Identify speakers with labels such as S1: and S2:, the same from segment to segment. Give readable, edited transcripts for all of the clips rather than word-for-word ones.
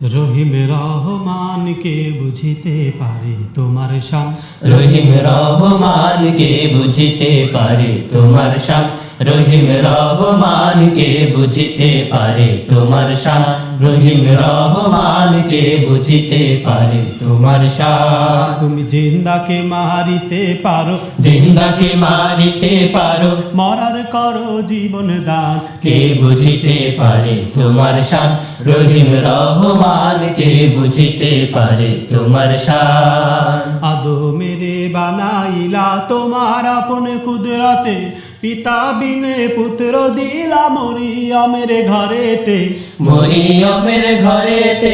S1: রহিম রহমান কে বুঝিতে পারে তোমার শান,
S2: রহিম রহমান কে বুঝিতে পারে তোমার শান, রহিম রহমান কে বুঝিতে পারে তোমার শান, রহিম রহমান কে বুঝিতে পারে তোমার শান।
S1: তুমি জিন্দাকে মারিতে পারো,
S2: জিন্দাকে মারিতে পারো,
S1: মরার করো জীবন দান,
S2: কে বুঝিতে পারে তোমার শান, রহিম রহমান কে বুঝিতে পারে তোমার শান।
S1: আদমেরে বানাইলা তোমার আপন কুদরতে, পিতা বিনে পুত্র দিলা মরিয়মের ঘরেতে,
S2: মরিয়মের ঘরেতে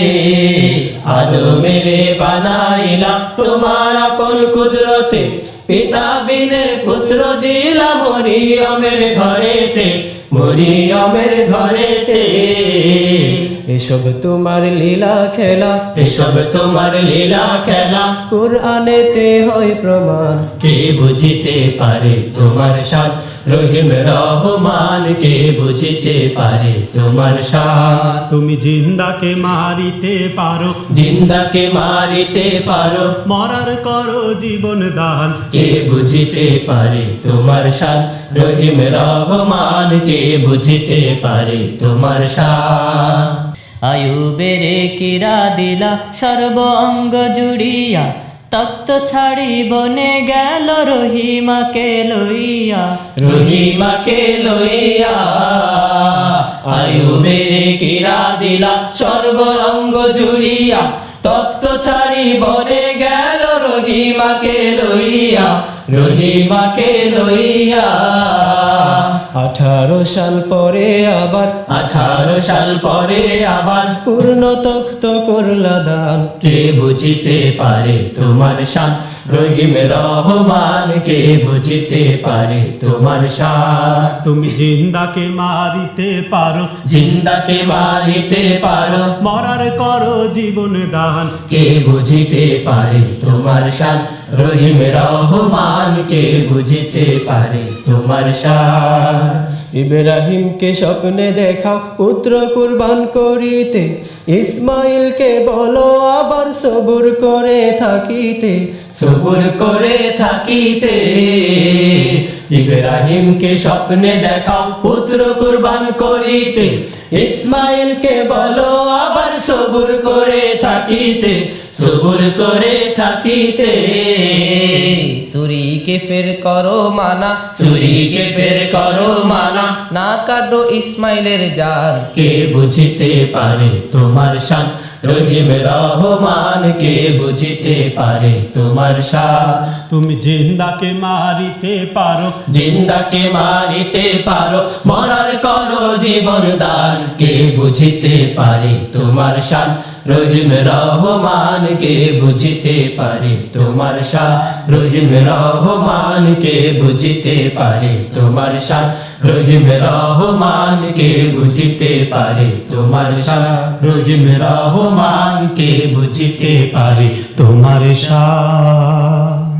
S2: আদমেরে বানাইলা তোমার আপন কুদরতে, পিতা বিনে পুত্র দিলা মরিয়মের ঘরেতে, মরিয়মের ঘরেতে। এসব তোমার লীলা খেলা, এসব তোমার লীলা খেলা, কুরআনেতে হয় প্রমাণ, কে বুঝিতে পারে তোমার শান, রহিম রহমান কে বুঝিতে পারে তোমার শান।
S1: তুমি জিন্দাকে মারিতে পারো,
S2: জিন্দাকে মারিতে পারো,
S1: মরার করো জীবন দান,
S2: কে বুঝিতে পারে তোমার শান, রহিম রহমান কে বুঝিতে পারে তোমার শান।
S3: আয়ুবেরে কিরা দিলা সর্ব অঙ্গ জুড়িয়া, তক্ত ছাড়ি বনে গেল রহিমাকে লইয়া,
S2: রহিমাকে লইয়া। আয়ুবেরে কিরা দিলা সর্ব অঙ্গ জুড়িয়া, তক্ত ছাড়ি বনে গেল রহিমাকে লইয়া, রহিমাকে লইয়া। 18 সাল পরে আবার, 18 সাল পরে আবার পূর্ণ তখ্ত করলা দান, কে বুঝিতে পারে তোমার শান, রহিম রহমান কে বুঝিতে পারে তোমার শান।
S1: তুমি জিন্দাকে মারিতে পারো,
S2: জিন্দাকে মারিতে পারো,
S1: মরার করো জীবন দান,
S2: কে বুঝিতে পারে তোমার শান, রহিম রহমান কে বুঝিতে পারে তোমার শান। ইব্রাহিমকে স্বপ্নে দেখাও পুত্র কুরবান করিতে, ইসমাইলকে বলো আবার সবুর করে থাকিতে, সবুর করে থাকিতে। ইব্রাহিমকে স্বপ্নে দেখাও পুত্র কুরবান করিতে, ইসমাইলকে বলো আবার সবুর করে থাকিতে, সবুর করে থাকিতে।
S4: ছুরিকে ফের করো মানা,
S2: ছুরিকে ফের করো মানা,
S4: না কাটো ইসমাইলের জান,
S2: কে বুঝিতে পারে তোমার শান, রহিম রহমান কে বুঝিতে পারে তোমার শান।
S1: তুমি জিন্দাকে মারিতে পারো,
S2: জিন্দাকে মারিতে পারো, মরার করো জীবন দান, কে বুঝিতে পারে তোমার শান, রহিম রহমান কে বুঝিতে পারে তোমার শান, রহিম রহমান কে বুঝিতে পারে তোমার শান, রহিম রহমান কে বুঝিতে পারে তোমার শান, রহিম রহমান কে বুঝিতে পারে
S1: তোমার শান।